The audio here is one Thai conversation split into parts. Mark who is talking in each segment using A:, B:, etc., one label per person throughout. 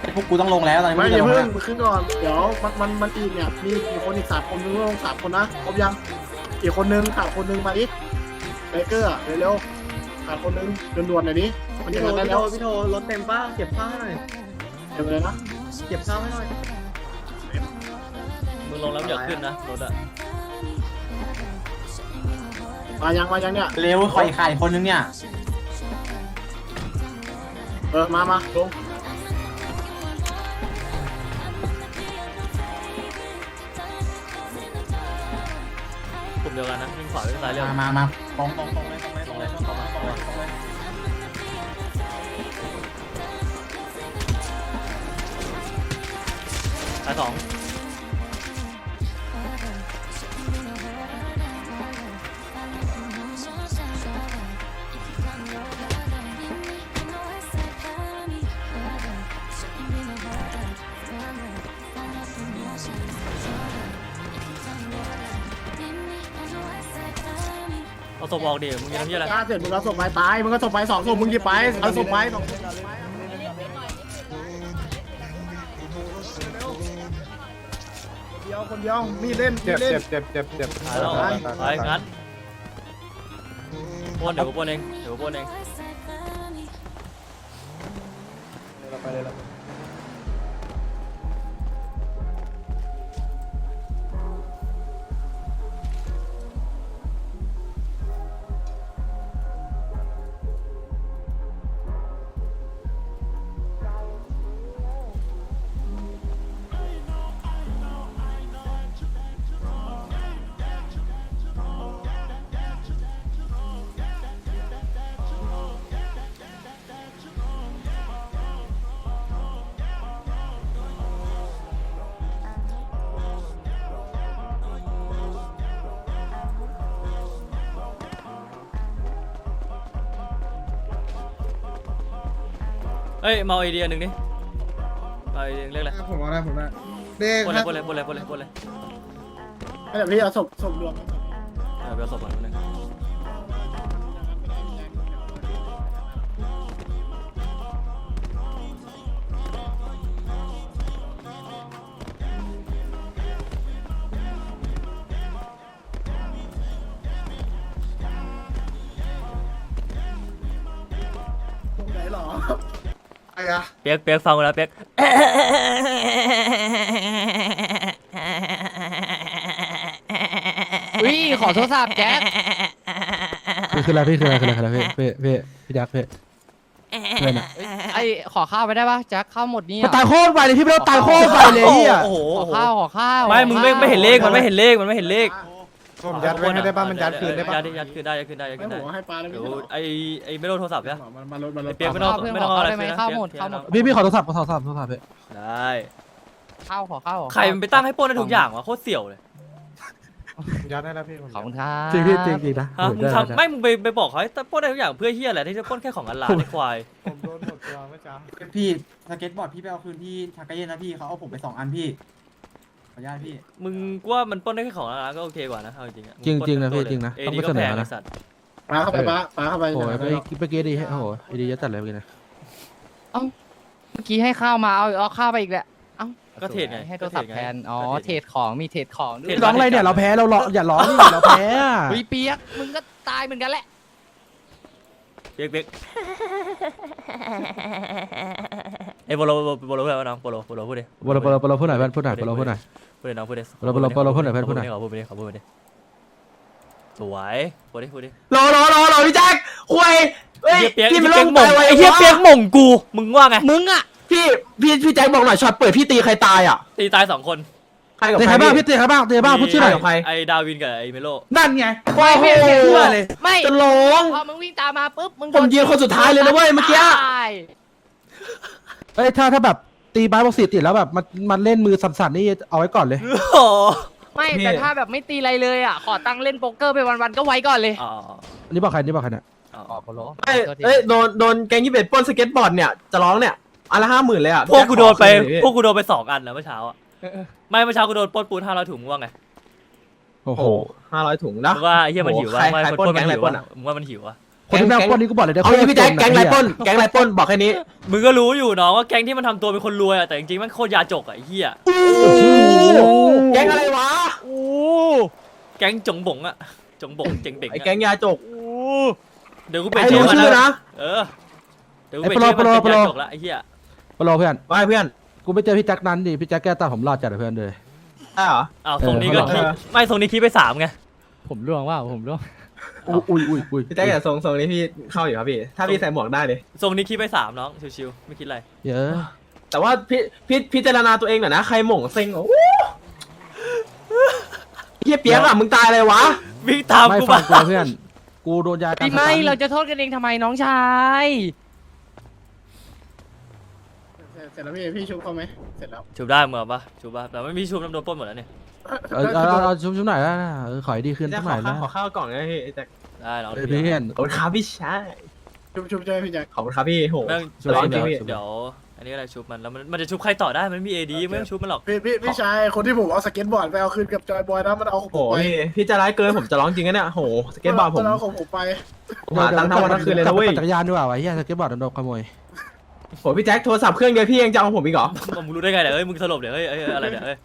A: พวกกูต้องลงแล้วตอนนี้
B: ไม่
A: ไม่
B: อย่า
A: ลง
B: เพิ่
A: แล้
B: ง
A: ว
B: ขึ้นก่อนเดี๋ยวมันอีกเนี่ยมีกี่คนอีก3 คนมึงต้องลง3 คนนะครบยังอีกคนนึงขาดคนนึงมาดิไบเกอร์เร็วๆขาดคนนึงด่วนๆหน่อยดิมัน
C: พี่
B: จะ
C: โท
B: ได้
C: พี่
B: แล้
C: โท
B: ว
C: พี่โทรถเต็มป้าเก็บข้าวให้หน่อย
B: เดี๋ยวเลยนะ
C: เก็บข้าวให้หน่อย
D: มึงลงแล้วอย่าขึ้นนะรถอะ
B: มายังเนี่ย
A: เร็วคอยขาดอีกคนนึงเนี่ย
B: มาลง
D: กลุ่มเดียวกันนะวิ่งขวาวิ่งซ้ายเร็ว
A: มาตรง
D: ตรงเลยตรงเลยตรงเลยตรงเลยตรงเลยซ้ายสอง เอาศพออกดิมึงยังทำยี่อะไร
B: ถ้าเสร็จมึงเอาศพไปตายมึงก็ศพไป2 ศพมึงหยิบไปเอาศพไป2 ศพคนเดียวมีดเล่น
E: เจ็บ
B: เล่น
E: เจ็บเจ็บเจ็บ
D: ตายแล้วไปงั้นปนเดี๋ยวกูปนเองเดี๋ยวกูปนเอง
E: ไปเลยละ
D: เอ้ยมาไอเดียหนึ่งดิมาไอเดียเรียกอะไร
C: ผมเอาได้เด็ก
D: ปนเลยปนเลยปนเลยปนเลยปนเลย
B: เดี๋ยวพี่เอาศพรวม
D: เดี๋ยวศพก่อนนึง
B: ไหนหรอไอ้อะ
D: เปียกฟังกูนะเปียก
F: อุ้ยขอโทรศัพท์แจ็ค
E: คืออะไรพี่พี่ยักษ์พี่เพื่อนอะ
F: ไอขอข้าวไปได้ปะแจ็คข้าวหมดนี่
E: มันตายโคตรไปเลยพี่ไม่ต้องตายโคตรไปเลยเฮีย
D: โอ้โห
F: ขอข้าว
D: ไม่มึงไม่เห็นเลขมันไม่เห็นเลขมันไม่เห็นเลข
E: ผมยัดไว้ไม่ได้ป่ะมันยัดคืนได้ป่ะ
D: ยัดคืนได้ยัดคืนได้ยัด
B: ไม่
D: คืนได้
B: หัวให้ปลาเลย
D: เดี๋
B: พี่
D: ยวไอ้ไม่โดนโทรศัพท์เนี่ย
B: มาลด
D: ไอ้เปียกไม่ต้องไม่ต้องเอาอะไรคืนนะ
F: ข้าวหมด
E: พี่ขอโทรศัพท์พี่
D: ได้
F: ข้าวขอข้าว
D: ใครมันไปตั้งให้ปล้นได้ทุกอย่างวะโคตรเสี่ยวเลย
E: ยัดได้แล้วพี่
F: ขอบคุณครับ
E: จริงพี่จริงนะ
D: ฮะมึงทำไม่มึงไปบอกเขาให้ปล้นได้ทุกอย่างเพื่อเฮียอะไรที่จะปล้นแค่ของอันลาไอ้ควาย
E: ผมโดนหมดตัวเมื่อเช้า
A: พี่สเก็ตบอร์ดพี่ไปเอาคืนที่ทากาเย็นนะพี่เขาเอาผมไป2 อันพี่ขออนุญาตพี่
D: มึงกูว่ามันปล้นได้แค่ของอันลาก็โอเคกว่านะเอาจริงๆอะ
E: จริงนะพี่จริงนะ
D: เอ
E: ต้อง
D: ดี
E: ไป
D: ก็
E: เสน
D: แพ
E: อง นะ
D: ไอ้สัตว์
B: ปลาเข้าไปปลาเข้าไป
E: โอ้ยเมื่อกี้ดีโอ้โหดียัดจัดเลยเมื่อกี้นะ
F: เมื่อกี้ให้ข้าวมาเอาข้าวไปอีกแหละ
D: ก็เทรดไง
F: ให้โทรศัพท์แทนอ๋อเทรดของมีเทรดของด้วย
E: ร้องอะไรเนี่ยเราแพ้เราอย่าร้องนี่เราแพ้
F: อุ้ยเปียกมึงก็ตายเหมือนกันแหละ
D: เปียกไอ้โปโลพูดอะไรน้องโปโลพูดดิ
E: บอลพูดหน่อยเพื่อนพูดหน่อยบอลพูดหน่อย
D: พูดดิน้องพูดดิ
E: โปโลพูดหน่อยเพื่อนพูดหน่อย
D: ขอพูดไปดิสวยพูดดิ
G: รอพี่แจ็คคุยเฮ้ย
D: เปียก
G: พี่
D: ไอ้
G: มัน
D: เปี
G: ล
D: ยก
G: ง
D: หม่ง
G: ไว
D: ไอ้เหี้ยเปียกหม่งกูมึงว่าไง
F: มึงอ่ะ
G: พี่แจ็คบอกหน่อยช็อตเปิดพี่ตีใครตายอ่ะ
D: ตีตาย2 คน
G: ใครกับ
E: เตะ
G: ใค
E: ใค
G: ร
E: รบ้างพี่เตะใครบ้างพูดชื่อหน่อย
G: กับใคร
D: ไอ้ดาวินกับไอ้เมโล
G: นั่นไง
F: ไม่
G: โอ้โห
F: ไม่
G: เชื่อเลย
F: ไม่
G: จะร้อง
F: พอมึงวิ่งตามมาปุ๊บมึง
G: ผมยืนคนสุดท้ายเลยนะเว้ยเมื่อกี้
F: ตาย
E: เอ้ยถ้าแบบตีบาสบอกติดแล้วแบบมันเล่นมือสั่นๆนี่เอาไว้ก่อนเลย
D: โอ้
F: ไม่แต่ถ้าแบบไม่ตีอะไรเลยอ่ะขอตังค์เล่นโป๊กเกอร์ไปวันๆก็ไว้ก่อนเลย
D: อ๋อ
E: อันนี้บอกใครเนี่ย
F: อ๋อโปโล
G: เอ้ยโดนแกงยี่เบ็ดปล้นสเก็ตบอร์ดเนี่ยจะร้องเนี่ยอันละ50,000เลยอ่ะ
D: พวกกูโดนไป
G: พี่
D: พวกกูโดนไป2 อันนะเมื่อเช้าอ่ะไม่เมื่อเช้ากูโดนปล้นปูน500 ถุงมึงว่าไง
E: โอ้
G: โอ้
E: โห
G: โห500 ถุงนะ
D: มึงว่าไอ้เหี้ยมันหิววะ
G: ใคร
D: ไม่คน
G: ปล้
D: ปล้
G: น
D: นมัน
G: แก๊ง
D: หิว
G: อะไรปล้
D: วะ
G: นอะ
D: มึงว่ามันหิววะ
E: คนที่แม่งปล้นนี่กูบอกเลยได้
G: เอางี้พี่แจ็คแก๊งไรปล้นแก๊งไรปล้นบอกแค่นี้
D: มึงก็รู้อยู่น้องว่าแก๊งที่มันทำตัวเป็นคนรวยอะแต่จริงๆมันโคตรยาจกอะไอ้เหี้ย
G: แก๊งอะไรวะ
D: แก๊งจงบงอะจงบงเจ๋งเบ่ง
G: ไอ้
D: อะ
G: แก๊งยาจก
D: เดี๋ยวกูเปลี่ย
G: ไอ้
D: นชื่
G: รู้
D: อมัน
G: ชื่อนะ
D: เออเดี๋ยวกูเปลี่ยนชื่อมันเป็นยาจกละไอ้เหี้ย
E: ปลอเพื่อน
G: ว่าเพื่อน
E: กูไปเจอพี่แจ็คนั้นดิพี่แจ็คแก้ตาผมรอดจัดเลยเพื่อนเลย
G: ได้เหรอ
D: อ้าวทรงนี้ก็
E: เออ
D: ไม่ทรงนี้คิดไป3ไง
F: ผมร่วงว่าผมร่วง
E: อุ้ย
G: พี่แจ็คอย่าทรงนี้พี่เข้าอยู่ครับพี่ถ้าพี่ใส่หมวกได้เลย
D: ทรงนี้คิดไป3น้องชิวๆไม่คิดอะไร
E: เยอะ
G: แต่ว่าพี่พิจารณาตัวเองหน่อยนะใครหม่งเซ็งโอ้เฮียเปียกอะมึงตายเลยวะ
D: วิ่งตาม
E: ไม่
D: กู
E: ฟั
D: มาง
E: กูเพื่อนกูโดนยากัน
F: พี่ไม่เราจะโทษกันเองทำไมน้องชาย
B: เสร็จแล้วพี่ชุบเขาไหมเสร็จแล้ว
D: ชูบได้เหมือนปะชูบปะแต่ไม่มีชูบน้ำโดนปล้นหมดแล้วเนี่ย
E: เอาชุบหน่อยนะขอให้ดีขึ้น
G: พี่แจ็
E: สั
G: ค
E: กหน่อยนะ
G: ขอข้าวกล่องนะพี่แจ็ค
D: ได้น้อง
E: เพื่อน
G: ขอบคุณครับพี่ชาย
B: ชุบใช่ไหมพี่แจ็ค
G: ขอบคุณครับพี่โห
D: แม่ง
G: จะร้องจริงพี่
D: เดี๋ยวอันนี้อะไรชูบมันแล้วมันจะชูบใครต่อได้มันไม่มีเอดีไม่ต้องชูบมันหรอก
B: พี่ชายคนที่ผมเอาสเก็ตบอร์ดไปเอาคืนกับจอยบอยนะมันเอาของ
G: โห
B: ผมไป
G: พี่จะร้ายเกินผมจะร้องจริงนะเนี่ยโหสเก็ตบอร์ดผม
B: นเอาของผมไป
G: หาตังค์ทั้งวันทั้งคืนเลยนะเว้ย
E: จักรยานด้วยว่ะเฮียสเก็ตบอร์ดโดนขโมย
G: โหพี่แจ็คโทรศัพท์เครื่องเดียวพี่ยังจะเอาของผมอีกเหรอ
D: มึงรู้ได้ไงเนี่ยเอ้ยมึงสลบเดี๋ยวเอ้ยอะไรเนี่ยเอ้ย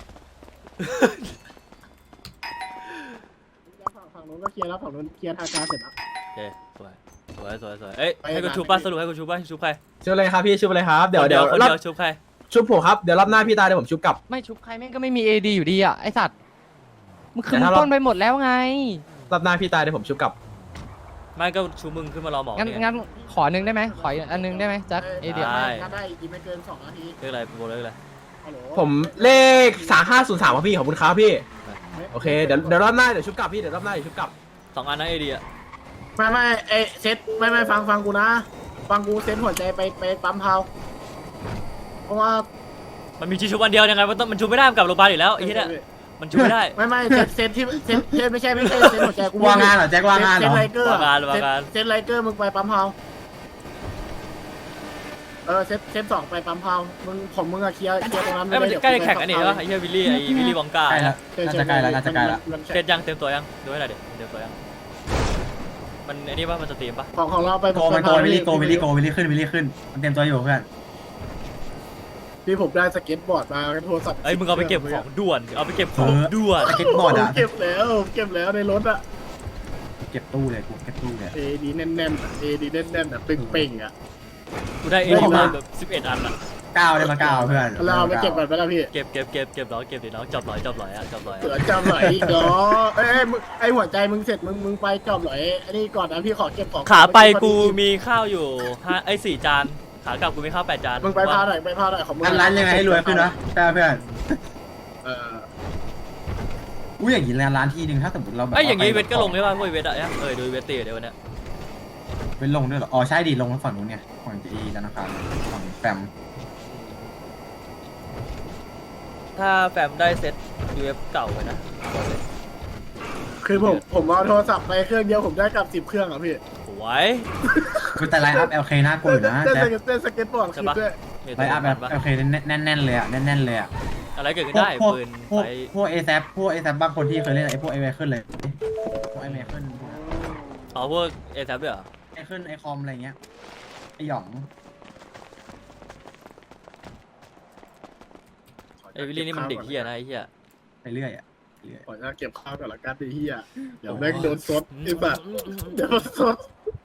B: ฝั่งนู้นก็เคลียร์แล้วฝั่งนู้นเคลียร์ทางการเสร็จแล้ว
D: โอเคสวยเอ้ยให้กูชูบป่ะสรุปให้กูชูบป่ะชูบใคร
G: ชุบเลยครับพี่ชุบเลยครับเดี๋ยว
D: คนเดียวชูบใคร
G: ชุบผมครับเดี๋ยวรอบหน้าพี่ตายเดี๋ยวผมชุบกลับ
F: ไม่ชุบใครแม่งก็ไม่มีเอดีอยู่ดีอ่ะไอสัตว์มึงคืน
G: แต่ถ้าเรา
F: ต้นไปหมดแล้วไง
G: รอบหน้าพี่ตายเดี๋ยวผมชุบกลับ
D: ไม่ก็ชูมึงขึ้นมารอหมอ
F: งั้น
D: เนี่ย
F: งั้นขอหนึ่งได้ไหมขออีกอันหนึงได้ไหมแจ็คเอดี
D: ได้
B: ถ้าได้อีกไม่เกิน2 นาที
D: เรียกอะไรโบเรียกอะไร
B: ฮัลโหล
G: ผมเลข3503ครับพี่ขอบคุณครับพี่โอเคเดี๋ยวรอบหน้าเดี๋ยวชุบกลับพี่เดี๋ยวรอบหน้าเดี๋ยวชุบกลับ
D: 2 อันนะเอดีอะ
B: ไม่เอเซ็ตไม่ฟังกูนะฟังกูเซ็ตหัวใจไปปั๊มเผาเพราะว่า
D: มันมีชีชูบอันเดียวยังไงมันชูไม่ได้มันกลับโรงพยาบาลอีกแล้วไอ้เหี้ยเนี่ยมันชูไม่ได้
B: ไม่เซ็ตที่เซ็ตไม่ใช่เซ็ตหัวใจกู
A: ว่างงานเหรอแจ็คว่างงานเหร
B: เซ็ต
A: อ
B: ไลเกอร์
D: ว่างงาน
B: เซ็ตไลเกอร์มึงไปปั๊มเผาเซ็ต2ไปปั๊มเผามึงอะเคลียร์ตรงนั้น
D: เอ้ยมันจะใกล้แข่งอันนี้วะไอ้เหี้ยวิลลี่วองกา
A: ใกล้แล้วน่าจะใกล้แล้วน่าจะใกล้แล้ว
D: เสร็จยังเต็มตัวยังดูให้หน่อยดิเต็มตัวยังมันไอ้นี่ป่ะมันสตรีมป่ะ
B: ของเราไป
A: โกวิลลี่ขึ้นมันเต็มตัวอยู่เพื่อน
B: พี่ผมได้สเก็ตบอร์ดมาโทรศัพท์
D: เอ้ยมึงเอาไปเก็บของด่วนเอาไปเก็บของด่วน
A: สเก็ตบอร์ดอะ
B: เก็บแล้วในรถอะ
A: เก็บตู้เลยกูเก็บตู้เลย
B: เอดีแน่นๆอะเอดีแน่นๆอะเป่งๆอะ
D: กูได้เอดีมาแบบ11 อันอะ
A: 9ได้มา9เพื่อน
B: เราเอาไปเก็บก่อนไปแล้วพี่
D: เก็บน้องเก็บดิน้องจับหลอยอะจับหลอย
B: เสือ
D: อะ
B: จำหน่อยอีกเนาะไอหัวใจมึงเสร็จมึงไปจอบหน่อยอันนี้ก่อนนะพี่ขอเก็บของ
D: ขาไปกูมีข้าวอยู่4 จานขากลับกูมีข้าว8 จาน
B: มึงไปพาหน่อยของมึง
A: ร้านยังไงให้รวยขึ้นนะแต่เพื่อน อุ้ยอย่างนี้ร้านที่นึงถ้าสมมติเราแบบ
D: ไอ้อย่างงี้เวทก็ลงได้ป่ะพวกเวทอะเนี่ยดูเวทตีเดี๋ยววันเนี้ย
A: เป็นลงด้วยเหรออ๋อใช่ดิลงฝั่งนู้นไงฝั่งจีธนาคารฝั่งแฟม
D: ถ้าแฟมได้เซ็ต UF เก่าไปนะ
B: คือผมเอาโทรศัพท์ไปเครื่องเดียวผมได้กลับ10 เครื่องอ่ะพี่
D: สวย
A: คือแต่ไลน์อัพ LK น่ากลัวอยู่นะ
B: เต้น
A: แต่
B: สเก็ตบอร์ดคือด้วย
A: ไลน์อัพ LK แน่นๆเลยอ่ะแน่นๆเลยอ่ะ
D: อะไรเกิดขึ้นได้ปืนไป
A: พวก ASAP บางคนที่เคยเล่นไอ้พวกไอเมขึ้นเลยพวกไอเมขึ้น
D: อ๋อพวกเอทับด้วยเหรอ
A: ไอขึ้นไอคอมอะไรเงี้ยไอหยอง
D: ไอวิลลี่นี่มันเด็กเฮียนะไอเฮีย
A: ไปเรื่อยอ่ะ
B: ขอจะเก็บข้าวก่อนละกันไอ้เหี้ยเดี๋ยวแม่งโดนซดไอ้บ้าเดี๋ยวซด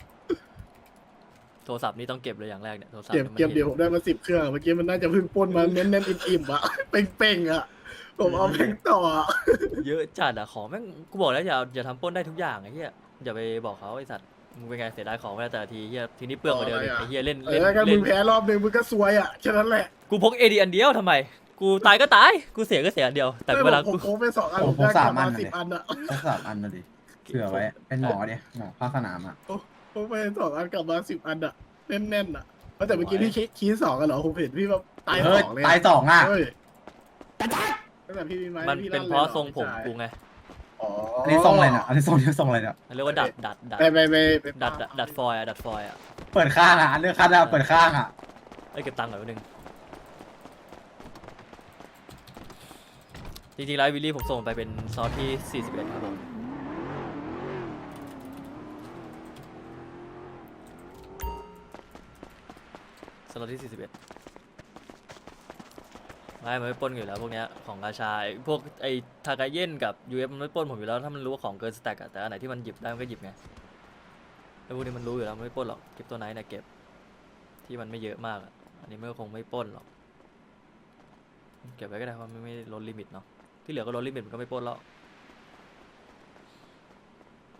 D: โทรศัพท์นี่ต้องเก็บเลยอย่างแรกเนี่ยโทรศัพท์
B: เก็บเดี๋ยวผมได้มา10 เครื่องเมื่อกี้มันน่าจะเพิ่งปล้นมาเน้นๆอิ่มๆอ่ะเป่งๆอ่ะผมเอาแม่งต่อ
D: เยอะจัดอะของแม่งกูบอกแล้วอย่าทำปล้นได้ทุกอย่างไอ้เฮียอย่าไปบอกเขาไอสัตว์มึงเป็นไงเสียดายของไปแล้วแต่ทีเฮียทีนี้เปลืองกว่าเดิมไอเฮียเล่น
B: แล้วมึงแพ้รอบนึงมึงก็ซวยอ่ะแค่นั้นแหละ
D: กูพกเอดีอันเดียวทำไมกูตายก็ตายกูเสียก็เสียอันเดียวแต่เวลา
B: ผม
D: กู
B: โค้งไป2 อันผมได้กลับมา10 อันอ่ะ
A: สัก3 อันนะดิเผื่อไว้เป็นหมอดิหมอภาคสนามอ่ะ
B: โค้งไป2 อันกลับมา10 อันอ่ะแน่นๆอ่ะแต่เมื่อกี้พี่คีย์2กันเหรอผมเห็นพี่แบบตาย2เลย
A: ตาย2อ่ะ
B: เฮ้ยแต่พี่มีไหม
D: มันเป็นเพราะทรงผมกูไง
B: อ๋อ
A: อันนี้ทรงอะไรเนี่ยอันนี้ทรงอะไรเนี่ย
D: เรียกว่าดัด
B: ดัด
D: ฟอยล์อะดัดฟอยล์อะ
A: เปิดข้างอ่ะเลือกคัดอ่ะเปิดข้างอ่ะ
D: เอ้ยเก็บตังค์ก่อนนิดนึงจริงๆแล้ววิลลี่ผมส่งไปเป็นซอสที่41ครับผมล็อตที่41ไม่มันไม่ปล้นอยู่แล้วพวกเนี้ยของราชาไอ้พวกไอ้ทากาเย็นกับยูเอฟมันไม่ปล้นผมอยู่แล้วถ้ามันรู้ว่าของเกินสแต็กอะแต่อันไหนที่มันหยิบได้มันก็หยิบไงไอ้พวกนี้มันรู้อยู่แล้วมันไม่ปล้นหรอกเก็บตัวไหนนะเก็บที่มันไม่เยอะมากอะอันนี้มันก็คงไม่ปล้นหรอกเก็บไว้ก็ได้เพราะมันไม่ลดลิมิตเนาะที่เหลือก็ลดลิมิตมันก็ไม่ปล้นแล้ว